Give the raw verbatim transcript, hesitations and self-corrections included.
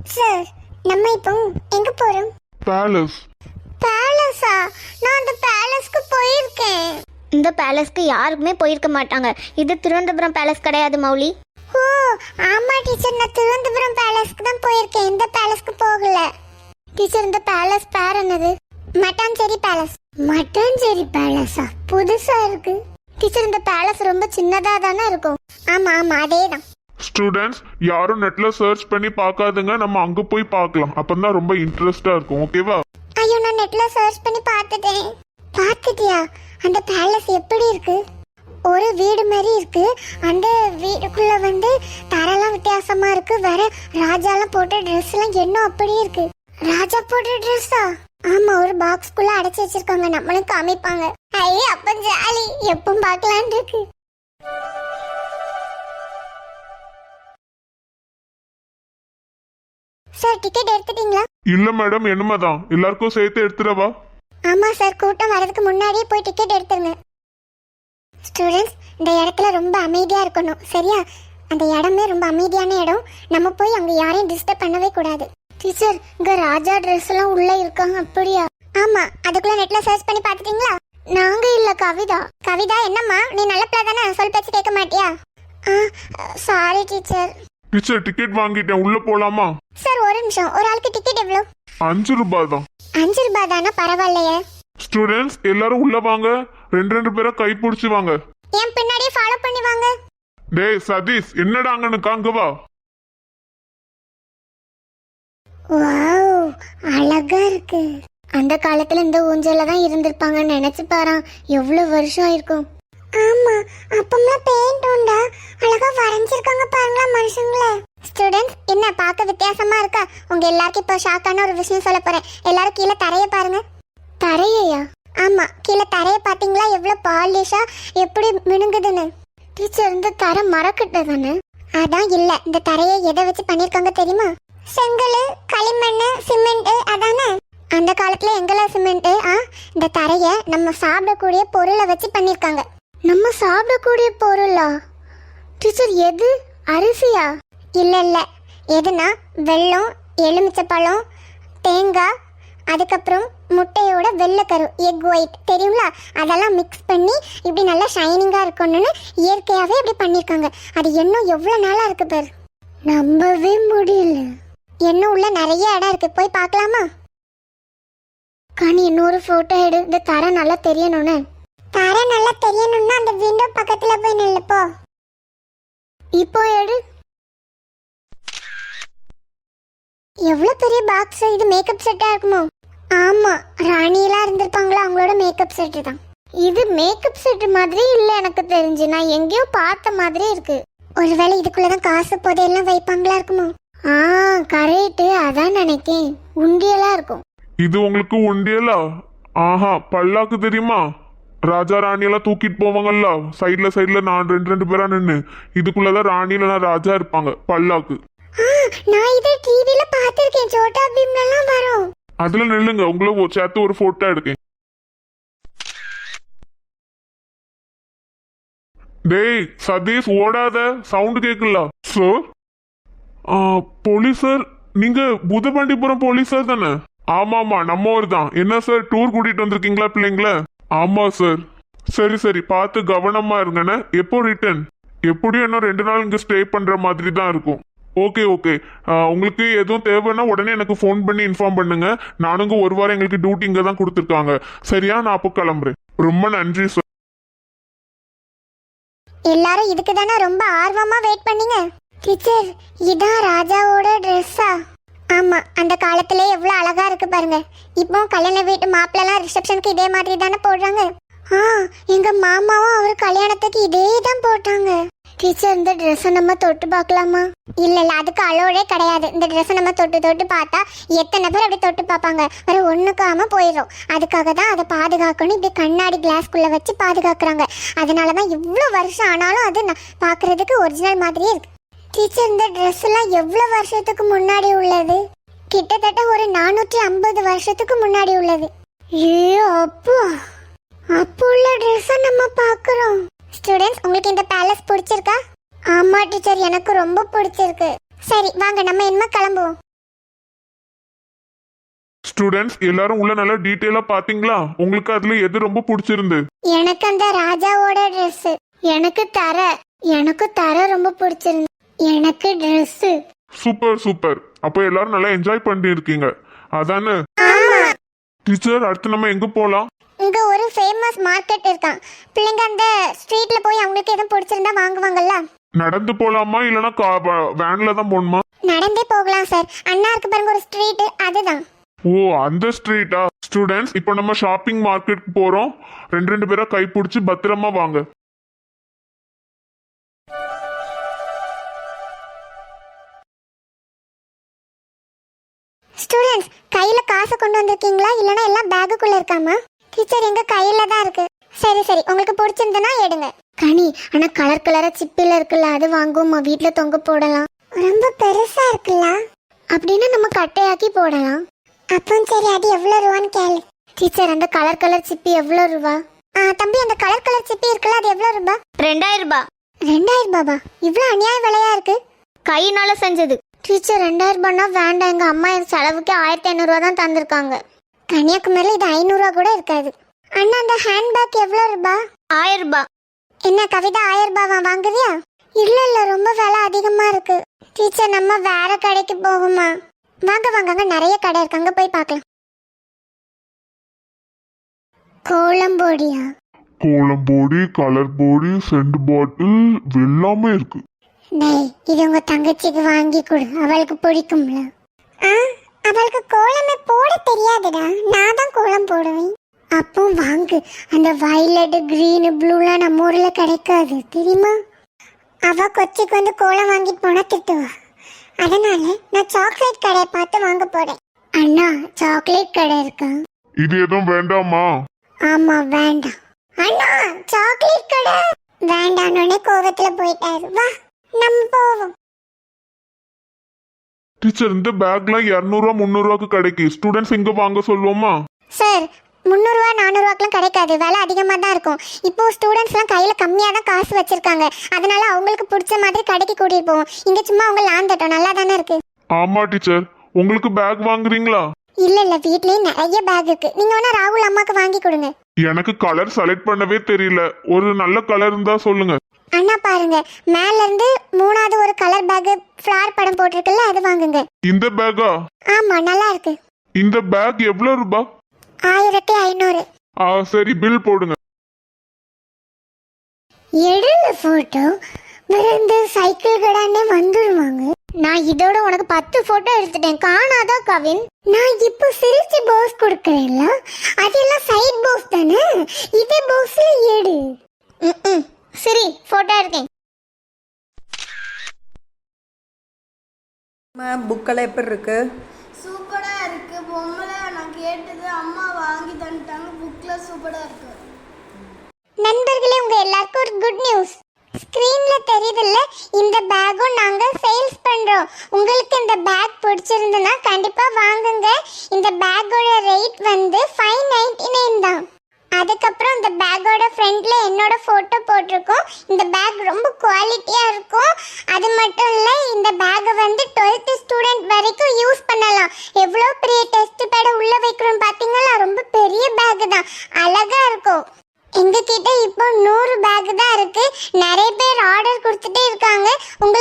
Sir, நம்ம இப்போ எங்க போறோம்? பேலஸ். பேலஸா? நான் அந்த பேலஸ்க்கு போயிருக்கேன். இந்த பேலஸ்க்கு யாருக்குமே போயிருக்க மாட்டாங்க. இது திருவனந்தபுரம் பேலஸ் கிடையாது மௌலி. ஓ ஆமா டீச்சர், நான் திருவனந்தபுரம் பேலஸ்க்கு தான் போயிருக்கேன், இந்த பேலஸ்க்கு போகல. டீச்சர், இந்த பேலஸ் பேர் என்னது? மட்டாஞ்சேரி பேலஸ். மட்டாஞ்சேரி பேலஸா? புதுசா இருக்கு. டீச்சர், இந்த பேலஸ் ரொம்ப சின்னதா தானே இருக்கும்? ஆமா ஆமா, அதேதான். ஸ்டூடெண்ட்ஸ் யாரும் நெட்ல சர்ச் பண்ணி பார்க்காதுங்க, நம்ம அங்க போய் பார்க்கலாம். அப்பதான் ரொம்ப இன்ட்ரெஸ்டா இருக்கும். ஓகேவா? ஐயோ, நான் நெட்ல சர்ச் பண்ணி பார்த்துட்டேன். பார்த்துட்டியா? அந்த பேலஸ் எப்படி இருக்கு? ஒரு வீடு மாதிரி இருக்கு. அந்த வீடுக்குள்ள வந்து தரெல்லாம் வித்தியாசமா இருக்கு. வேற ராஜாலாம் போட்ட ட்ரெஸ் எல்லாம் என்ன அப்படியே இருக்கு. ராஜா போட்ட ட்ரெஸ்ஸா? ஆமா, ஒரு பாக்ஸ்குள்ள அடைச்சு வச்சிருக்காங்க. நம்மளும் காமிப்பாங்க. ஐயே அப்ப ஜாலி, எப்பவும் பார்க்கலான்னு இருக்கு. சார், டிக்கெட் எடுத்துட்டீங்களா? இல்ல மேடம், என்னமாதான் எல்லாருக்கும் சேர்த்து எடுத்துடவா? ஆமா சார், கூட்டம் வரதுக்கு முன்னாடியே போய் டிக்கெட் எடுத்துருங்க. ஸ்டூடெண்ட்ஸ், இந்த இடத்துல ரொம்ப அமைதியா இருக்கணும், சரியா? அந்த இடமே ரொம்ப அமைதியான இடம். நம்ம போய் அங்க யாரையும் டிஸ்டர்ப் பண்ணவே கூடாது. டீச்சர், இங்க ராஜா ட்ரெஸ் எல்லாம் உள்ள இருக்காங்க. அப்படியா? ஆமா, அதுக்குள்ள நெட்ல சர்ச் பண்ணி பாத்துட்டீங்களா? நாங்க இல்ல, கவிதா. கவிதா, என்னம்மா நீ நல்ல பிள்ளை தானே, சொல் பேச்சு கேட்க மாட்டியா? Sorry teacher. டீச்சர், டிக்கெட் வாங்கிட்டேன், உள்ள போலாமா? சார், ஒரு நிமிஷம். ஒரு ஆளுக்கு டிக்கெட் எவ்வளவு? அஞ்சு ரூபாய் தான். அஞ்சு ரூபாய் தானா? பரவாயில்லையே. ஸ்டூடெண்ட்ஸ் எல்லாரும் உள்ள வாங்க. ரெண்டு ரெண்டு பேரை கை பிடிச்சி வாங்க. என் பின்னாடியே ஃபாலோ பண்ணி வாங்க. டேய் சதீஷ், என்னடா அங்கன்னு காங்க வா. வாவ், அழகா இருக்கு. அந்த காலத்துல இந்த ஊஞ்சல்ல தான் இருந்திருப்பாங்கன்னு நினைச்சு பாரு, எவ்வளவு வருஷம் ஆயிருக்கும். ஆமா, அப்பம்லாம் பெயிண்ட் உண்டா? அழகா வரைஞ்சிருக்காங்க பாருங்களா மனுஷங்கள. ஸ்டூடெண்ட்ஸ், என்ன பார்க்க வித்தியாசமா இருக்கா? உங்க எல்லாருக்கும் இப்போ ஷாக்கான ஒரு விஷயம் சொல்ல போறேன். எல்லாரும் கீழே தரைய பாருங்க. தரையா? ஆமா, கீழே தரைய பாத்தீங்களா? எவ்வளவு பாலிஷா, எப்படி மினுங்குதுன்னு. டீச்சர், இந்த தரை மரக்கட்ட தானே? அதான் இல்ல, இந்த தரையை எதை வச்சு பண்ணிருக்காங்க தெரியுமா? செங்கல், களிமண், சிமெண்ட். அதானே அந்த காலத்துல எங்கெல்ல சிமெண்ட். ஆ, இந்த தரைய நம்ம சாப்பிடக்கூடிய பொருளை வச்சு பண்ணிருக்காங்க. நம்ம சாப்பிடக்கூடிய பொருளா? டீச்சர், எது? அரிசியா? இல்ல இல்ல, எதுனா வெல்லம், எலுமிச்சப்பழம், தேங்காய், அதுக்கப்புறம் முட்டையோட வெள்ளைக்கரு, எக் ஒயிட் தெரியுங்களா? அதெல்லாம் மிக்ஸ் பண்ணி இப்படி நல்லா ஷைனிங்கா இருக்கணும்னு இயற்கையாவே இப்படி பண்ணிருக்காங்க. அது இன்னும் எவ்வளவு நாளா இருக்கு பாரு, நம்பவே முடியல. இன்னும் உள்ள நிறைய இடம் இருக்கு, போய் பார்க்கலாமா? கனி, இன்னொரு போட்டோ எடு, இந்த தரை நல்லா தெரியணும்னு. தரை நல்லா தெரியணும்னா அந்த விண்டோ பக்கத்துல போய் நில்லுப்போ. இப்போ எடு. எவ்வளவு பெரிய பாக்ஸ் இது! மேக்கப் செட்டா இருக்குமோ? ஆமா, ராணியெல்லாம் இருந்திருப்பாங்களா, அவங்களோட மேக்கப் செட்டு தான் இது. மேக்கப் செட் மாதிரி இல்ல எனக்கு தெரிஞ்சு, நான் எங்கேயோ பார்த்த மாதிரி இருக்கு. ஒருவேளை இதுக்குள்ளதான் காசு புதையெல்லாம் வைப்பாங்களா இருக்குமோ? ஆ கரெக்ட், அதான் நினைக்கேன். உண்டியலா இருக்கும் இது. உங்களுக்கு உண்டியலா? ஆஹா, பல்லாக்கு தெரியுமா? ராஜா ராணி எல்லாம் தூக்கிட்டு போவாங்கல்ல சைட்ல சைட்ல, நான் ரெண்டு ரெண்டு பேரா நின்று. இதுக்குள்ளதான் ராணி இல்லைன்னா ராஜா இருப்பாங்க. பல்லாக்கு. நான் இதை டிவில பாத்திருக்கேன், சோட்டா பீம்ல எல்லாம் வரும். அதுல நில்லுங்க, உங்களை சேர்த்து ஒரு போட்டோ எடுக்கேன். டேய் சதீஷ், ஓடாத, சவுண்ட் கேட்கல. சார், போலீஸ் சார், நீங்க புதுப்பாண்டிபுரம் போலீஸ் சார் தானே? ஆமாமா, நம்ம ஊர் தான். என்ன சார், டூர் கூட்டிட்டு வந்திருக்கீங்களா பிள்ளைங்கள? ஆமா சார். சரி சரி, பார்த்து கவனமா இருங்கண்ணே. எப்போ ரிட்டர்ன்? எப்படியும் இன்னும் ரெண்டு நாள் இங்க ஸ்டே பண்ற மாதிரி தான் இருக்கும். ஓகே ஓகே, உங்களுக்கு எதுவும் தேவைன்னா உடனே எனக்கு ஃபோன் பண்ணி இன்ஃபார்ம் பண்ணுங்க. நானுங்க ஒரு வாரம் எங்களுக்கு டியூட்டி இங்க தான் கொடுத்துருக்காங்க. சரியா? நான் அப்போ கிளம்புறேன். ரொம்ப நன்றி சார். எல்லாரும் இதுக்கு தானே ரொம்ப ஆர்வமா வெயிட் பண்ணீங்க. டீச்சர், இதான் ராஜாவோட ட்ரெஸ்ஸா? ஆமா, அந்த காலத்திலே எவ்வளவு அழகா இருக்கு பாருங்க. இப்போ கல்யாண வீட்டு மாப்பிள்ளலாம் ரிசப்ஷனுக்கு இதே மாதிரி தானே போடுறாங்க. ஆ, எங்க மாமாவும் அவர் கல்யாணத்துக்கு இதே தான் போட்டாங்க. டீச்சர், இந்த ட்ரெஸ்ஸை நம்ம தொட்டு பார்க்கலாமா? இல்ல இல்ல, அதுக்கு அலோடே கிடையாது. இந்த ட்ரெஸ்ஸை நம்ம தொட்டு தொட்டு பார்த்தா எத்தனை பேர் அப்படி தொட்டு பார்ப்பாங்க, வேற ஒண்ணுக்காம போயிடும். அதுக்காக தான் அதை பாதுகாக்கணும், இப்படி கண்ணாடி கிளாஸ்குள்ள வச்சு பாதுகாக்கிறாங்க. அதனாலதான் இவ்வளவு வருஷம் ஆனாலும் அது பாக்குறதுக்கு ஒரிஜினல் மாதிரியே இருக்கு. டீச்சர், இந்த ட்ரெஸ் எல்லாம் எவ்வளவு வருஷத்துக்கு முன்னாடி உள்ளது? கிட்டத்தட்ட ஒரு நானூற்றி ஐம்பது வருஷத்துக்கு முன்னாடி உள்ளது. ஏ அப்பா, அப்போ உள்ள ட்ரெஸ்ஸை நம்ம பார்க்குறோம். ஸ்டூடெண்ட்ஸ், உங்களுக்கு இந்த பேலஸ் பிடிச்சிருக்கா? ஆமா டீச்சர், எனக்கு ரொம்ப பிடிச்சிருக்கு. சரி வாங்க, நம்ம என்ன கிளம்புவோம். ஸ்டூடெண்ட்ஸ் எல்லாரும் உள்ள நல்லா டீட்டெயிலா பாத்தீங்களா? உங்களுக்கு அதுல எது ரொம்ப பிடிச்சிருந்து? எனக்கு அந்த ராஜாவோட Dress, எனக்கு தர எனக்கு தர ரொம்ப பிடிச்சிருந்து. எனக்கு Dress. Super super. அப்ப எல்லாரும் நல்லா என்ஜாய் பண்ணி இருக்கீங்க அதானே? டீச்சர் அடுத்து நம்ம எங்க போலாம்? இங்க ஒரு ஃபேமஸ் மார்க்கெட் இருக்கான். பிள்ளைங்க அந்த ஸ்ட்ரீட்ல போய் அவங்களுக்கு எதுவும் பிடிச்சிருந்தா வாங்குவாங்கல்ல. நடந்து போலாமா இல்லனா வேன்ல தான் போகணுமா? நடந்தே போகலாம் சார். அண்ணா இருக்கு பாருங்க ஒரு ஸ்ட்ரீட், அதுதான். ஓ அந்த ஸ்ட்ரீட்டா? ஸ்டூடெண்ட்ஸ் இப்போ நம்ம ஷாப்பிங் மார்க்கெட்டுக்கு போறோம். ரெண்டு ரெண்டு பேரா கை பிடிச்சி பத்திரமா வாங்க. ஸ்டூடெண்ட்ஸ் கையில காசு கொண்டு வந்திருக்கீங்களா இல்லனா எல்லாம் பேக்குக்குள்ள இருக்காமா? டீச்சர் எங்க கையில தான் இருக்கு. சரி சரி உங்களுக்கு பிடிச்சிருந்தனா எடுங்க. கனி ஆனா கலர் கலரா சிப்பில இருக்குல்ல, அது வாங்குவோமா? வீட்ல தொங்க போடலாம். ரொம்ப பெருசா இருக்குல்ல, அப்படின்னா நம்ம கட்டையாக்கி போடலாம். அப்போ சரி, அது எவ்வளவு ரூபான்னு கேளு. டீச்சர் அந்த கலர் கலர் சிப்பி எவ்வளவு ரூபா? ஆ தம்பி அந்த கலர் கலர் சிப்பி இருக்குல்ல, அது எவ்வளவு ரூபா? ரெண்டாயிரம் ரூபாய். ரெண்டாயிரம் ரூபாவா? இவ்வளவு அநியாய விலையா இருக்கு. கையினால செஞ்சது. டீச்சர் ரெண்டாயிரம் ரூபாய்னா வேண்டாம், எங்க அம்மா என் செலவுக்கு ஆயிரத்தி ஐநூறு ரூபா தான் தந்திருக்காங்க. கன்னியாகுமரியில இது ஐநூறு ரூபா கூட இருக்காது. அண்ணா அந்த ஹேண்ட்பேக் எவ்வளவு ரூபா? ஆயிரம் ரூபாய். என்ன கவிதா ஆயிரம் ரூபாவா வாங்குவியா? இல்ல இல்ல ரொம்ப விலை அதிகமா இருக்கு. டீச்சர் நம்ம வேற கடைக்கு போகுமா? வாங்க வாங்க, அங்க நிறைய கடை இருக்கு, அங்க போய் பார்க்கலாம். கோலம்போடியா? கோலம் பொடி, கலர் பொடி, சென்ட் பாட்டில் எல்லாமே இருக்கு. டேய் இது உங்க தங்கச்சிக்கு வாங்கி கொடு, அவளுக்கு பிடிக்கும்ல. ஆ அவளுக்கு கோலமே போட தெரியாதுடா, நான் தான் கோலம் போடுவேன். அப்போ வாங்கு. அந்த வயலட் கிரீன் ப்ளூலாம் நம்ம ஊர்ல கிடைக்காது தெரியுமா? அவ கொச்சிக்கு வந்து கோலம் வாங்கிட்டு போனா திட்டுவா. அதனால நான் சாக்லேட் கடையை பார்த்து வாங்க போறேன். அண்ணா சாக்லேட் கடை இருக்கா? இது எதுவும் வேண்டாமா? ஆமா வேண்டாம். அண்ணா சாக்லேட் கடை வேண்டான்னு கோவத்துல போயிட்டாரு. வா நம்ம போவோம். டீச்சர் இந்த பேக்லாம் இருநூறுவா முந்நூறுவாக்கு கிடைக்கு. ஸ்டூடெண்ட்ஸ் இங்க வாங்க சொல்லுவோமா? சார் முந்நூறுவா நானூறுவாக்கெல்லாம் கிடைக்காது, விலை அதிகமாக தான் இருக்கும். இப்போ ஸ்டூடெண்ட்ஸ்லாம் கையில் கம்மியாக தான் காசு வச்சிருக்காங்க, அதனால அவங்களுக்கு பிடிச்ச மாதிரி கடைக்கு கூட்டிட்டு போவோம். இங்கே சும்மா அவங்க லாந்தட்டும், நல்லா தானே இருக்கு. ஆமா டீச்சர். உங்களுக்கு பேக் வாங்குறீங்களா? இல்ல இல்ல வீட்லயே நிறைய பேக் இருக்கு, நீங்க வேணா ராகுல் அம்மாக்கு வாங்கி கொடுங்க. எனக்கு கலர் செலக்ட் பண்ணவே தெரியல, ஒரு நல்ல கலர் இருந்தா சொல்லுங்க. அண்ணா பாருங்க, மேல இருந்து மூணாவது ஒரு கலர் பேக் ஃபிளார் படம் போட்டிருக்குல்ல, அது வாங்குங்க. இந்த பேக்கா? ஆமா நல்லா இருக்கு. இந்த பேக் எவ்வளவு ரூபாய்? ஆயிரத்தி ஐநூறு. ஆ சரி, பில் போடுங்க. எடுல போட்டோ விருந்து சைக்கிள் கடானே வந்துருவாங்க. நான் இதோட உனக்கு பத்து போட்டோ எடுத்துட்டேன், காணாதா கவின்? நான் இப்போ சிரிச்சு போஸ் கொடுக்கறேன்ல, அதெல்லாம் சைடு போஸ் தானே, இதே போஸ்ல எடு. ம் சரி போட்டோ எடுக்கேன். புக்கெல்லாம் எப்படி இருக்கு? சூப்பரா இருக்கு. பொம்மலை நான் கேட்டது அம்மா வாங்கி தந்துட்டாங்க. புக்ல சூப்பரா இருக்கு. நண்பர்களே உங்க எல்லாருக்கும் ஒரு குட் நியூஸ். ஸ்கிரீன்ல தெரியுதுல்ல, இந்த பேக்கும் நாங்க சேல்ஸ் பண்றோம். உங்களுக்கு இந்த பேக் பிடிச்சிருந்தனா கண்டிப்பா வாங்குங்க. இந்த பேக்கோட ரேட் வந்து ஃபைவ் நைன்டி நைன் தான். அதுக்கப்புறம் இந்த பேக்கோட ஃப்ரண்ட்ல என்னோட போட்டோ போட்டிருக்கோம். இந்த பேக் ரொம்ப குவாலிட்டியா இருக்கும். அது மட்டும் இல்ல, இந்த பேக்கை வந்து டுவெல்த் ஸ்டூடெண்ட் வரைக்கும் யூஸ் பண்ணலாம். எவ்வளோ பெரிய டெஸ்ட் பேட உள்ள வைக்கிறோம் பாத்தீங்களா? ரொம்ப பெரிய பேக் தான், அழகா இருக்கும். எங்க கிட்ட இப்போ நூறு பேக் தான் இருக்கு. நிறைய பேர் ஆர்டர் கொடுத்துட்டே இருக்காங்க. உங்களுக்கு